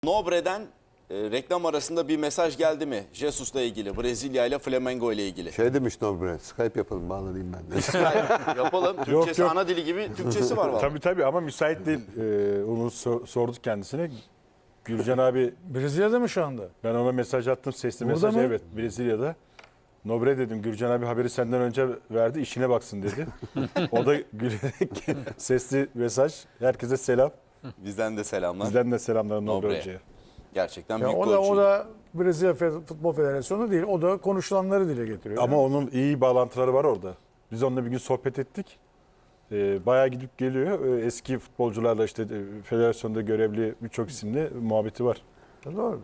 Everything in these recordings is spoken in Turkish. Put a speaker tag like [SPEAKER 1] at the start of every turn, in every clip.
[SPEAKER 1] Nobre'den reklam arasında bir mesaj geldi mi? Jesus'la ilgili, Brezilya ile Flamengo ile ilgili.
[SPEAKER 2] Şey demiş Nobre, Skype yapalım, bağlanayım ben de.
[SPEAKER 1] Yapalım. Türkçesi ana dili gibi Türkçesi var vallahi.
[SPEAKER 3] Tabii ama müsait değil. Onu sorduk kendisine. Gürcan abi,
[SPEAKER 4] Brezilya'da mı şu anda?
[SPEAKER 3] ben ona mesaj attım, sesli
[SPEAKER 4] Burada
[SPEAKER 3] mesaj.
[SPEAKER 4] mı?
[SPEAKER 3] Evet, Brezilya'da. Nobre dedim, Gürcan abi haberi senden önce verdi, işine baksın dedi. O da gülerek sesli mesaj. Herkese selam.
[SPEAKER 1] Bizden de selamlar.
[SPEAKER 3] Bizden de selamlar Nobre
[SPEAKER 1] Nobre'ye.
[SPEAKER 3] Hoca'ya.
[SPEAKER 1] Gerçekten
[SPEAKER 4] Ya
[SPEAKER 1] büyük
[SPEAKER 4] o
[SPEAKER 1] golcü.
[SPEAKER 4] da Brezilya Futbol Federasyonu değil. O da konuşulanları dile getiriyor.
[SPEAKER 3] Ama onun iyi bağlantıları var orada. Biz onunla bir gün sohbet ettik. Bayağı gidip geliyor. Eski futbolcularla işte federasyonda görevli birçok isimle muhabbeti var.
[SPEAKER 4] Doğru.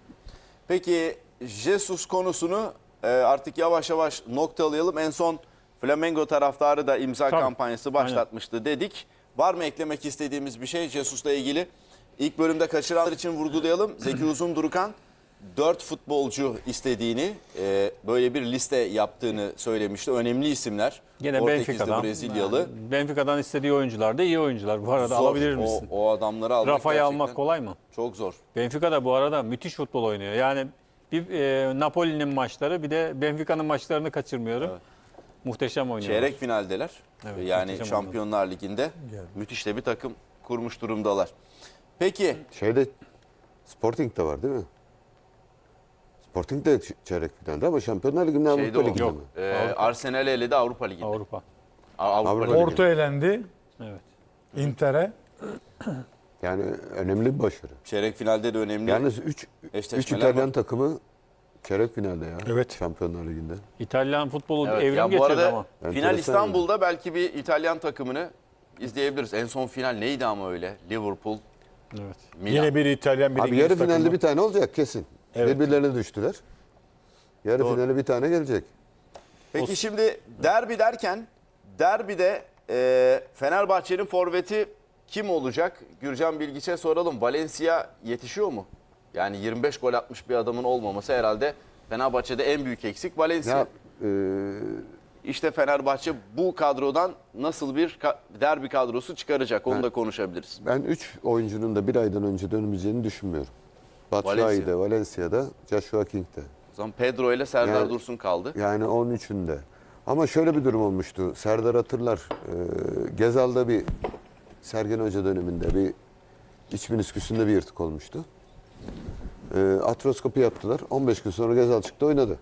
[SPEAKER 1] Peki Jesus konusunu artık yavaş yavaş noktalayalım. En son Flamengo taraftarı da imza kampanyası başlatmıştı dedik. Var mı eklemek istediğimiz bir şey Jesus'la ilgili? İlk bölümde kaçıranlar için vurgulayalım. Zeki Uzundurukan 4 futbolcu istediğini, böyle bir liste yaptığını söylemişti. Önemli isimler.
[SPEAKER 5] Gene
[SPEAKER 1] Portekizli,
[SPEAKER 5] Benfica'dan.
[SPEAKER 1] Brezilyalı.
[SPEAKER 5] Benfica'dan istediği oyuncular da iyi oyuncular. Bu arada
[SPEAKER 1] Zor.
[SPEAKER 5] alabilir misin?
[SPEAKER 1] O adamları almak
[SPEAKER 5] Rafa'yı
[SPEAKER 1] gerçekten
[SPEAKER 5] almak kolay mı?
[SPEAKER 1] çok zor.
[SPEAKER 5] Benfica da bu arada müthiş futbol oynuyor. Yani bir Napoli'nin maçları bir de Benfica'nın maçlarını kaçırmıyorum.
[SPEAKER 1] Evet.
[SPEAKER 5] Muhteşem oynuyor.
[SPEAKER 1] Çeyrek finaldeler.
[SPEAKER 5] Evet,
[SPEAKER 1] Yani
[SPEAKER 5] muhteşem
[SPEAKER 1] Şampiyonlar Ligi'nde müthiş de bir takım kurmuş durumdalar. Peki
[SPEAKER 2] Şeyde Sporting de var değil mi? Sporting de çeyrek finalde ama Şampiyonlar Ligi'nde Avrupa
[SPEAKER 1] şeyde o.
[SPEAKER 2] Ligi'nde
[SPEAKER 5] Yok.
[SPEAKER 2] mi?
[SPEAKER 1] Arsenal eledi Avrupa Ligi'nde.
[SPEAKER 5] Avrupa.
[SPEAKER 1] Avrupa Ligi.
[SPEAKER 4] Porto elendi
[SPEAKER 5] Evet.
[SPEAKER 4] Inter'e.
[SPEAKER 2] Yani önemli bir başarı.
[SPEAKER 1] Çeyrek finalde de önemli.
[SPEAKER 2] Yalnız 3
[SPEAKER 1] eşleşmeler
[SPEAKER 2] İtalyan
[SPEAKER 1] var.
[SPEAKER 2] takımı çeyrek finalde ya.
[SPEAKER 3] Evet.
[SPEAKER 2] Şampiyonlar Ligi'nde.
[SPEAKER 5] İtalyan futbolu
[SPEAKER 1] Evet,
[SPEAKER 5] evrim
[SPEAKER 1] ya bu
[SPEAKER 5] geçirdi
[SPEAKER 1] arada
[SPEAKER 5] ama.
[SPEAKER 1] final
[SPEAKER 2] Enteresan
[SPEAKER 1] İstanbul'da belki bir İtalyan takımını izleyebiliriz. En son final neydi ama öyle? Liverpool,
[SPEAKER 5] Evet.
[SPEAKER 1] Milan.
[SPEAKER 3] Yine bir İtalyan, bir
[SPEAKER 2] Abi
[SPEAKER 3] İngiliz
[SPEAKER 2] yarı finalde
[SPEAKER 3] takımı.
[SPEAKER 2] bir tane olacak kesin.
[SPEAKER 3] Evet.
[SPEAKER 2] Birbirlerine düştüler. Yarı
[SPEAKER 1] Doğru.
[SPEAKER 2] finale bir tane gelecek.
[SPEAKER 1] Peki şimdi derbi derken derbide Fenerbahçe'nin forveti kim olacak? Gürcan Bilgiç'e soralım. Valencia yetişiyor mu? Yani 25 gol atmış bir adamın olmaması herhalde Fenerbahçe'de en büyük eksik Valencia.
[SPEAKER 2] Ya
[SPEAKER 1] İşte Fenerbahçe bu kadrodan nasıl bir derbi kadrosu çıkaracak onu da konuşabiliriz.
[SPEAKER 2] ben 3 oyuncunun da bir aydan önce dönmeyeceğini düşünmüyorum. Batshuayi'de, Valencia'da, Joshua King'de.
[SPEAKER 1] O zaman Pedro ile Serdar
[SPEAKER 2] Yani-
[SPEAKER 1] Dursun kaldı.
[SPEAKER 2] Yani 13'ünde. Ama şöyle bir durum olmuştu. Serdar hatırlar. Gezal'da bir Sergen Hoca döneminde bir iç minisküsünde bir yırtık olmuştu. Atroskopi yaptılar. 15 gün sonra Gezal çıktı oynadı.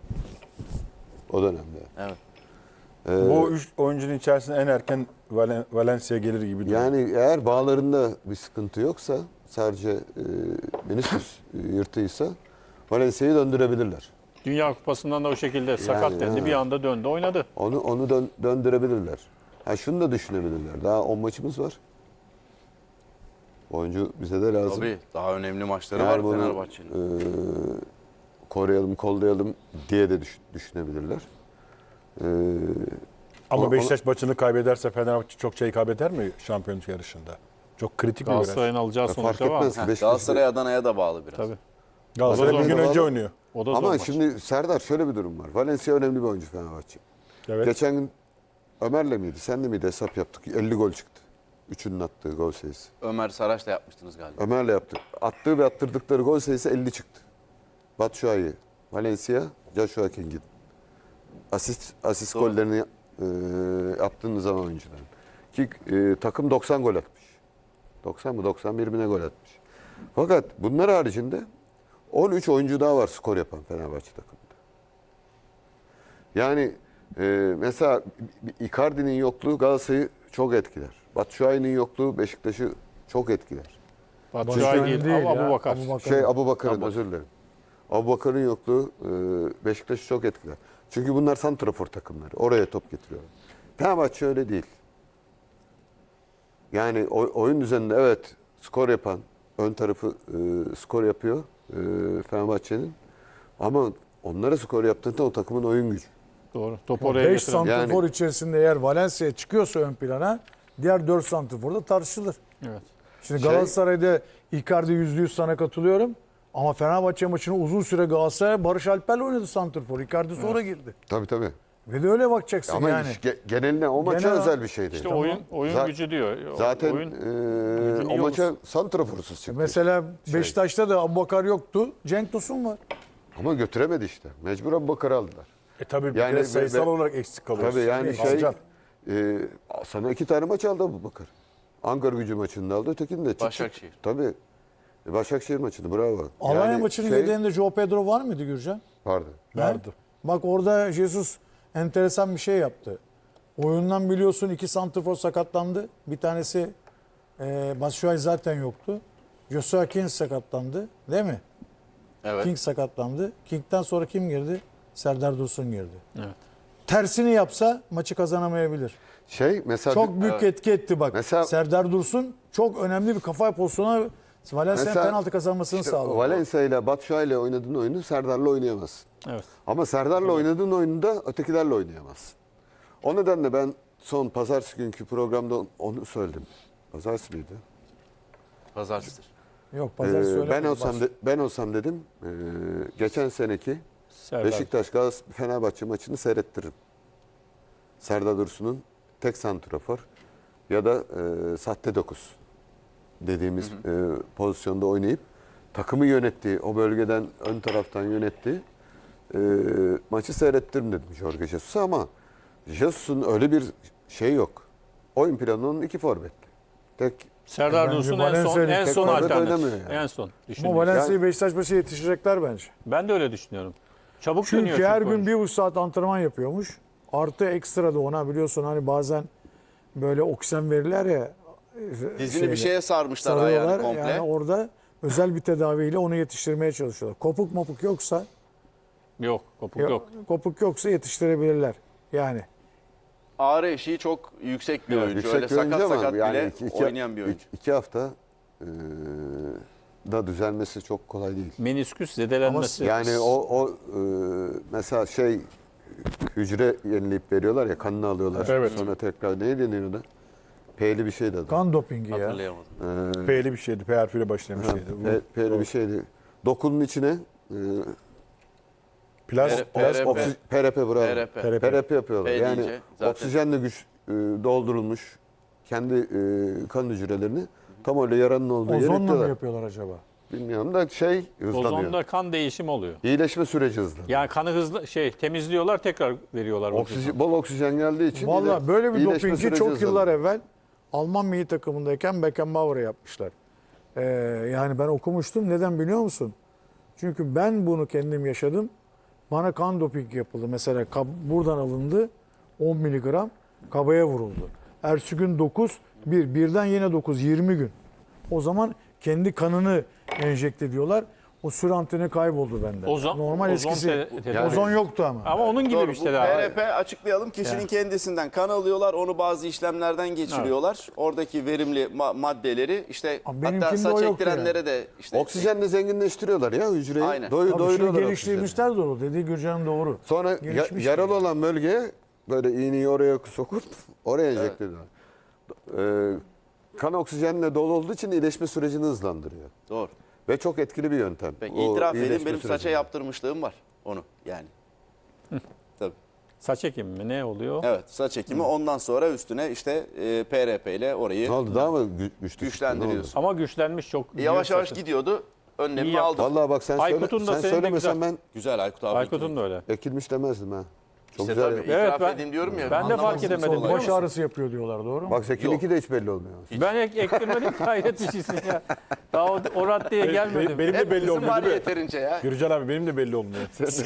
[SPEAKER 2] O dönemde.
[SPEAKER 1] Evet.
[SPEAKER 3] Bu 3 oyuncunun içerisinde en erken Valencia gelir gibi duruyor.
[SPEAKER 2] Yani eğer bağlarında bir sıkıntı yoksa sadece menisküs yırtıysa Valencia'yı döndürebilirler.
[SPEAKER 5] Dünya Kupası'ndan da o şekilde sakat dendi.
[SPEAKER 2] ha.
[SPEAKER 5] Bir anda döndü oynadı.
[SPEAKER 2] Onu döndürebilirler. Ha şunu da düşünebilirler. Daha 10 maçımız var. Oyuncu bize de lazım.
[SPEAKER 1] Tabii daha önemli maçları
[SPEAKER 2] Yani
[SPEAKER 1] var
[SPEAKER 2] bunu,
[SPEAKER 1] Fenerbahçe'nin.
[SPEAKER 2] koruyalım, kollayalım diye de düşünebilirler.
[SPEAKER 3] Ama Beşiktaş maçını kaybederse Fenerbahçe çok şey kaybeder mi şampiyonluk yarışında? Çok kritik bir viraj.
[SPEAKER 5] Galatasaray'ın alacağı
[SPEAKER 2] Fark
[SPEAKER 5] sonuçta var.
[SPEAKER 2] etmez ki Beşiktaş.
[SPEAKER 1] Galatasaray Adana'ya da bağlı biraz.
[SPEAKER 5] Tabii.
[SPEAKER 3] Galatasaray
[SPEAKER 2] Bazen
[SPEAKER 3] bir gün
[SPEAKER 2] de
[SPEAKER 3] önce
[SPEAKER 2] bağlı.
[SPEAKER 3] oynuyor.
[SPEAKER 5] O da zor
[SPEAKER 2] Ama
[SPEAKER 5] maç.
[SPEAKER 2] şimdi Serdar şöyle bir durum var. Valencia önemli bir oyuncu Fenerbahçe.
[SPEAKER 3] Evet.
[SPEAKER 2] Geçen gün Ömer'le miydi, senle miydi hesap yaptık. 50 gol çıktı. Üçünün attığı gol sayısı.
[SPEAKER 1] Ömer Saraç'la yapmıştınız galiba.
[SPEAKER 2] Ömer'le yaptık. Attığı ve attırdıkları gol sayısı 50 çıktı. Batshuayi, Valencia, Joshua King'in. Asist
[SPEAKER 1] Doğru.
[SPEAKER 2] gollerini yaptığınız zaman oyuncuların. Ki takım 90 gol atmış. 90 mı 91 mi ne gol atmış. Fakat bunlar haricinde 13 oyuncu daha var skor yapan Fenerbahçe takımında. Yani mesela Icardi'nin yokluğu Galatasaray'ı çok etkiler. Batshuayi'nin yokluğu Beşiktaş'ı çok etkiler.
[SPEAKER 5] Batshuayi değil,
[SPEAKER 4] ya,
[SPEAKER 5] Abubakar.
[SPEAKER 2] Abubakar'ın özür dilerim. Abubakar'ın yokluğu Beşiktaş'ı çok etkiler. Çünkü bunlar santrafor takımları. Oraya top getiriyorlar. Fenerbahçe öyle değil. Yani oyun düzeninde evet skor yapan, ön tarafı skor yapıyor Fenerbahçe'nin. Ama onlara skor yaptığında o takımın oyun gücü.
[SPEAKER 5] Doğru. Topu oraya
[SPEAKER 4] 5
[SPEAKER 5] getiren.
[SPEAKER 4] santrfor içerisinde eğer Valencia çıkıyorsa ön plana diğer 4 santrfor da tartışılır.
[SPEAKER 5] Evet.
[SPEAKER 4] Şimdi Galatasaray'da Icardi %100 sana katılıyorum. Ama Fenerbahçe maçını uzun süre Galatasaray Barış Alper'le oynadı santrfor. Icardi sonra girdi.
[SPEAKER 2] Tabii tabii.
[SPEAKER 4] Ve de öyle bakacaksın
[SPEAKER 2] Ama
[SPEAKER 4] yani.
[SPEAKER 2] geneline o maça
[SPEAKER 4] Genel-
[SPEAKER 2] özel bir şey değil.
[SPEAKER 5] İşte oyun
[SPEAKER 2] Za-
[SPEAKER 5] gücü diyor.
[SPEAKER 2] Zaten
[SPEAKER 5] Oyun,
[SPEAKER 2] o
[SPEAKER 5] iyi
[SPEAKER 2] maça santraforsuz çıktı.
[SPEAKER 4] Mesela Beşiktaş'ta da Abubakar yoktu. Cenk Tosun var.
[SPEAKER 2] Ama götüremedi işte. Mecbur Abubakar'ı aldılar.
[SPEAKER 3] Tabii bir
[SPEAKER 2] Yani
[SPEAKER 3] kere sayısal
[SPEAKER 2] ve-
[SPEAKER 3] olarak eksik kalıyoruz.
[SPEAKER 2] Tabii yani
[SPEAKER 3] Alacak.
[SPEAKER 2] sana 2 tane maç aldı Abubakar. Ankara Gücü maçını da aldı, ötekini de. Çık, çık.
[SPEAKER 1] Başakşehir.
[SPEAKER 2] Tabii. Başakşehir maçını bravo.
[SPEAKER 4] Alanya
[SPEAKER 2] Yani
[SPEAKER 4] maçının
[SPEAKER 2] şey-
[SPEAKER 4] yedeğinde Joao Pedro var mıydı Gürcan?
[SPEAKER 2] Vardı.
[SPEAKER 3] Vardı.
[SPEAKER 4] Bak orada Jesus enteresan bir şey yaptı. Oyundan biliyorsun 2 santrfor sakatlandı. Bir tanesi Batshuayi zaten yoktu. Joshua King sakatlandı. Değil mi?
[SPEAKER 1] Evet.
[SPEAKER 4] King sakatlandı. King'den sonra kim girdi? Serdar Dursun girdi.
[SPEAKER 5] Evet.
[SPEAKER 4] Tersini yapsa maçı kazanamayabilir.
[SPEAKER 2] Mesela
[SPEAKER 4] Çok büyük etki etti bak.
[SPEAKER 2] Mesela-
[SPEAKER 4] Serdar Dursun çok önemli bir kafa pozisyona Valencia'nın
[SPEAKER 2] Mesela
[SPEAKER 4] penaltı kazanmasını
[SPEAKER 2] işte
[SPEAKER 4] sağladı.
[SPEAKER 2] Valencia ile Batshuayi ile oynadığın oyunu Serdar'la oynayamazsın.
[SPEAKER 5] Evet.
[SPEAKER 2] Ama Serdar'la oynadığın oyunu da ötekilerle oynayamazsın. O nedenle ben son pazartesi günkü programda onu söyledim. Pazartesi miydi?
[SPEAKER 1] Pazartesidir.
[SPEAKER 4] Yok pazar söyle.
[SPEAKER 2] Ben olsam dedim geçen seneki
[SPEAKER 5] Serdar.
[SPEAKER 2] Beşiktaş Galatasaray Fenerbahçe maçını seyrettiririm. Serdar Dursun'un tek santrafor ya da sahte 9 dediğimiz pozisyonda oynayıp takımı yönettiği, o bölgeden ön taraftan yönettiği maçı seyrettiririm dedim Jorge Jesus'a ama Jesus'un öyle bir şey yok. Oyun planının 2 forvetli. Tek
[SPEAKER 5] Serdar
[SPEAKER 4] Bence
[SPEAKER 5] Dursun
[SPEAKER 4] Valencia'nın
[SPEAKER 5] en son
[SPEAKER 2] tek forvet
[SPEAKER 5] alternatif.
[SPEAKER 2] oynamıyor yani.
[SPEAKER 5] En son
[SPEAKER 4] Ama
[SPEAKER 5] düşündüğüm.
[SPEAKER 4] Valencia'yı Beşiktaş maçı yetişecekler bence.
[SPEAKER 5] Ben de öyle düşünüyorum. Çabuk dönüyor
[SPEAKER 4] Çünkü her gün
[SPEAKER 5] oyuncu.
[SPEAKER 4] 1,5 saat antrenman yapıyormuş. Artı ekstra da ona biliyorsun hani bazen böyle oksijen verirler ya.
[SPEAKER 1] Dizini bir şeye sarmışlar ayağını
[SPEAKER 4] sarıyorlar.
[SPEAKER 1] komple.
[SPEAKER 4] Yani orada özel bir tedaviyle onu yetiştirmeye çalışıyorlar. Kopuk mopuk yoksa
[SPEAKER 5] Yok, kopuk yok.
[SPEAKER 4] kopuk yoksa yetiştirebilirler. Yani
[SPEAKER 1] Ağrı eşiği çok yüksek bir oyuncu.
[SPEAKER 2] yüksek
[SPEAKER 1] Öyle
[SPEAKER 2] bir oyuncu
[SPEAKER 1] sakat
[SPEAKER 2] ama
[SPEAKER 1] sakat
[SPEAKER 2] yani
[SPEAKER 1] bile oynayan bir oyuncu.
[SPEAKER 2] 2 hafta da düzelmesi çok kolay değil.
[SPEAKER 5] Menisküs zedelenmesi.
[SPEAKER 2] Yani mesela hücre yenileyip veriyorlar ya, kanını alıyorlar.
[SPEAKER 3] Evet.
[SPEAKER 2] Sonra tekrar ne deniyor ona? P'li bir şeydi adı.
[SPEAKER 4] kan dopingi ya.
[SPEAKER 1] Hatırlayamadım.
[SPEAKER 3] P'li bir şeydi. P harfiyle başlayan bir şeydi.
[SPEAKER 2] P'li bir şeydi. Dokunun içine PRP bravo.
[SPEAKER 1] PRP.
[SPEAKER 2] PRP yapıyorlar.
[SPEAKER 1] P
[SPEAKER 2] Yani
[SPEAKER 1] deyince zaten-
[SPEAKER 2] oksijenle doldurulmuş kendi kan hücrelerini tam öyle yaranın olduğu yere
[SPEAKER 4] Ozonla mı
[SPEAKER 2] ekliyorlar.
[SPEAKER 4] yapıyorlar acaba?
[SPEAKER 2] Bilmiyorum da hızlanıyor.
[SPEAKER 5] Ozonda kan değişimi oluyor.
[SPEAKER 2] İyileşme süreci hızlanıyor.
[SPEAKER 5] Yani kanı hızlı temizliyorlar tekrar veriyorlar.
[SPEAKER 2] Bol oksijen geldiği için
[SPEAKER 4] Valla böyle bir
[SPEAKER 2] iyileşme
[SPEAKER 4] dopingi
[SPEAKER 2] süreci
[SPEAKER 4] çok
[SPEAKER 2] hızlanıyor.
[SPEAKER 4] yıllar evvel Alman milli takımındayken Beckenbauer'a yapmışlar. Yani ben okumuştum. Neden biliyor musun? Çünkü ben bunu kendim yaşadım. Bana kan doping yapıldı. Mesela buradan alındı 10 miligram kabaya vuruldu. Ertesi gün 9, birden yine 9, 20 gün. O zaman kendi kanını enjekte ediyorlar. O süre anteni kayboldu bende. Normal eskisi. Ozon yoktu ama.
[SPEAKER 5] Ama onun gibi
[SPEAKER 1] Doğru,
[SPEAKER 5] bir
[SPEAKER 1] bu
[SPEAKER 5] şey daha.
[SPEAKER 1] PRP açıklayalım. Kişinin kendisinden kan alıyorlar. Onu bazı işlemlerden geçiriyorlar. Oradaki verimli maddeleri işte
[SPEAKER 4] Abi
[SPEAKER 1] hatta
[SPEAKER 4] benimkinde
[SPEAKER 1] saç
[SPEAKER 4] o yoktu
[SPEAKER 1] ektirenlere de işte
[SPEAKER 2] Oksijenle zenginleştiriyorlar ya hücreyi.
[SPEAKER 1] Aynen.
[SPEAKER 4] Tabii şimdi
[SPEAKER 2] Doyuruyorlar oksijeni.
[SPEAKER 4] geliştirmişler doğru. Dediği Gürcan'ın doğru.
[SPEAKER 2] Sonra
[SPEAKER 4] Gelişmiş
[SPEAKER 2] yaralı
[SPEAKER 4] yani.
[SPEAKER 2] olan bölgeye böyle iğneyi oraya sokup oraya enjekte ediyorlar. Kan oksijenle dolu olduğu için iyileşme sürecini hızlandırıyor.
[SPEAKER 1] doğru.
[SPEAKER 2] Ve çok etkili bir yöntem.
[SPEAKER 1] Ben
[SPEAKER 2] O
[SPEAKER 1] itiraf edeyim
[SPEAKER 2] iyileşme
[SPEAKER 1] benim saça
[SPEAKER 2] sürecinde.
[SPEAKER 1] yaptırmışlığım var onu yani. Tabii.
[SPEAKER 5] Saç ekimi mi ne oluyor?
[SPEAKER 1] Evet, saç ekimi ondan sonra üstüne işte PRP ile orayı
[SPEAKER 2] Ne oldu, daha mı güçlü?
[SPEAKER 1] güçlendiriyorsun.
[SPEAKER 5] Ama güçlenmiş çok.
[SPEAKER 1] Yavaş yavaş
[SPEAKER 5] saçı.
[SPEAKER 1] gidiyordu.
[SPEAKER 5] İyi
[SPEAKER 1] Önlemimi
[SPEAKER 5] yaptın.
[SPEAKER 1] aldım.
[SPEAKER 2] Vallahi bak sen
[SPEAKER 5] Aykut'un da senin de
[SPEAKER 2] söylemesen
[SPEAKER 5] güzel.
[SPEAKER 2] ben
[SPEAKER 1] Güzel Aykut abi.
[SPEAKER 5] Aykut'un da öyle.
[SPEAKER 2] ekilmiş demezdim ha. Çok
[SPEAKER 1] İşte
[SPEAKER 2] güzel.
[SPEAKER 1] tabii
[SPEAKER 2] yapmış.
[SPEAKER 5] Evet,
[SPEAKER 1] itiraf edeyim diyorum ya.
[SPEAKER 5] ben de fark
[SPEAKER 1] anlamazsın
[SPEAKER 5] edemedim,
[SPEAKER 1] sonra.
[SPEAKER 5] biliyor
[SPEAKER 4] Baş
[SPEAKER 5] musun?
[SPEAKER 4] ağrısı yapıyor diyorlar doğru mu?
[SPEAKER 2] Bak Zeki'ninki de hiç belli olmuyor.
[SPEAKER 5] Ben ektirmedim hayret bir şeysin ya. Daha o raddeye gelmedim.
[SPEAKER 3] Benim de belli
[SPEAKER 1] Hepimizin
[SPEAKER 3] olmuyor
[SPEAKER 1] var
[SPEAKER 3] değil mi?
[SPEAKER 1] yeterince ya.
[SPEAKER 3] Gürcan abi benim de belli olmuyor.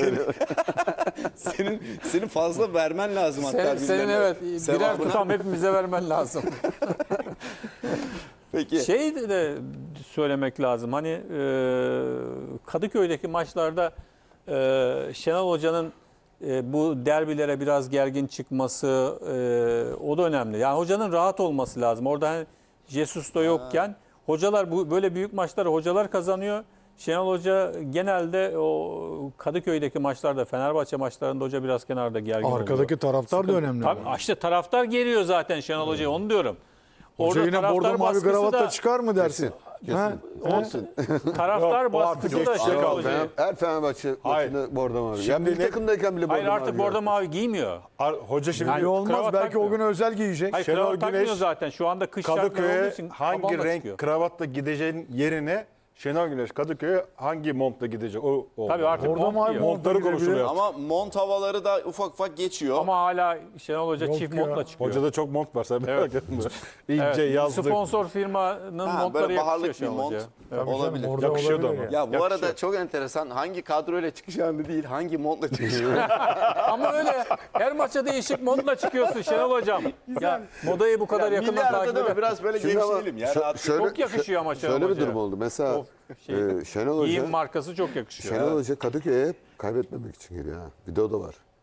[SPEAKER 1] Senin fazla vermen lazım hatta.
[SPEAKER 5] Senin evet birer
[SPEAKER 1] Sevabına.
[SPEAKER 5] tutam hepimize vermen lazım.
[SPEAKER 1] Peki.
[SPEAKER 5] Şey de söylemek lazım. Hani Kadıköy'deki maçlarda Şenol Hoca'nın bu derbilere biraz gergin çıkması o da önemli. Yani hocanın rahat olması lazım. Orada hani Jesus da yokken hocalar böyle büyük maçları hocalar kazanıyor. Şenol Hoca genelde o Kadıköy'deki maçlarda, Fenerbahçe maçlarında hoca biraz kenarda gergin oluyor.
[SPEAKER 4] Arkadaki taraftar da önemli.
[SPEAKER 5] Tabii, işte taraftar geliyor zaten Şenol Hoca'ya onu diyorum.
[SPEAKER 4] Hoca yine
[SPEAKER 5] taraftar
[SPEAKER 4] bordo mavi
[SPEAKER 5] baskısı
[SPEAKER 4] gravatta
[SPEAKER 5] da-
[SPEAKER 4] çıkar mı dersin? Ha?
[SPEAKER 1] Olsun.
[SPEAKER 5] Taraftar
[SPEAKER 3] Yok, o artık
[SPEAKER 5] baskısı da
[SPEAKER 3] geçti.
[SPEAKER 5] Şenol
[SPEAKER 3] Yok,
[SPEAKER 5] Hoca'yı.
[SPEAKER 2] Her Fenerbahçe
[SPEAKER 3] Hayır.
[SPEAKER 2] maçını bordo mavi.
[SPEAKER 3] Şimdi
[SPEAKER 2] Ya milli
[SPEAKER 3] ne-
[SPEAKER 2] takımdayken bile bordo
[SPEAKER 5] Hayır artık
[SPEAKER 2] mavi
[SPEAKER 5] bordo
[SPEAKER 2] ya.
[SPEAKER 5] mavi giymiyor.
[SPEAKER 3] Hoca şimdi
[SPEAKER 5] Yani
[SPEAKER 4] İyi olmaz.
[SPEAKER 5] kravat
[SPEAKER 4] Belki o
[SPEAKER 5] takmıyor.
[SPEAKER 4] gün özel giyecek.
[SPEAKER 5] Hayır
[SPEAKER 3] Şenol
[SPEAKER 5] kravat takmıyor
[SPEAKER 3] Güneş
[SPEAKER 5] zaten. Şu anda kış şartları olduğu
[SPEAKER 3] Kadıköy'e
[SPEAKER 5] için
[SPEAKER 3] hangi
[SPEAKER 5] tabanla
[SPEAKER 3] renk
[SPEAKER 5] çıkıyor.
[SPEAKER 3] kravatla gideceğin yerine Şenol Güneş Kadıköy'e hangi montla gidecek? O
[SPEAKER 5] Tabii artık
[SPEAKER 4] Bordo
[SPEAKER 5] mont
[SPEAKER 4] mavi
[SPEAKER 5] giyiyor.
[SPEAKER 4] mont.
[SPEAKER 3] montları konuşuluyor.
[SPEAKER 1] Ama mont havaları da ufak ufak geçiyor.
[SPEAKER 5] Ama hala Şenol Hoca
[SPEAKER 4] Yok
[SPEAKER 5] çift
[SPEAKER 4] ya.
[SPEAKER 5] montla çıkıyor.
[SPEAKER 3] Hocada çok mont var sen merak etme. İnce
[SPEAKER 5] Evet,
[SPEAKER 3] yazlık.
[SPEAKER 5] sponsor firmanın
[SPEAKER 1] Ha,
[SPEAKER 5] montları
[SPEAKER 1] böyle
[SPEAKER 5] yakışıyor
[SPEAKER 1] baharlık bir
[SPEAKER 5] Şenol
[SPEAKER 1] mont
[SPEAKER 5] Hoca'ya.
[SPEAKER 4] Tabii
[SPEAKER 1] olabilir.
[SPEAKER 4] canım, orada
[SPEAKER 3] Yakışıyordu
[SPEAKER 4] olabilir
[SPEAKER 3] ama.
[SPEAKER 1] Ya bu
[SPEAKER 5] Yakışıyor.
[SPEAKER 1] arada çok enteresan. Hangi kadroyla çıkacağını değil, hangi montla çıkacağını.
[SPEAKER 5] Ama öyle her maça değişik montla çıkıyorsun Şenol Hocam. Ya modayı bu kadar yakından
[SPEAKER 1] Milli arada
[SPEAKER 5] takip
[SPEAKER 1] değil mi?
[SPEAKER 5] eder.
[SPEAKER 1] Biraz böyle
[SPEAKER 2] Şimdi ama
[SPEAKER 1] gevşeyelim ya. rahat-
[SPEAKER 5] Çok yakışıyor ama Şenol
[SPEAKER 2] Şöyle bir
[SPEAKER 5] Hoca'ya.
[SPEAKER 2] durum oldu. Mesela
[SPEAKER 5] O şey,
[SPEAKER 2] Şenol
[SPEAKER 5] Giyim
[SPEAKER 2] Hoca,
[SPEAKER 5] markası çok yakışıyor.
[SPEAKER 2] Şenol Hoca Kadıköy'e hep kaybetmemek için geliyor. Ha. Bir de o da var.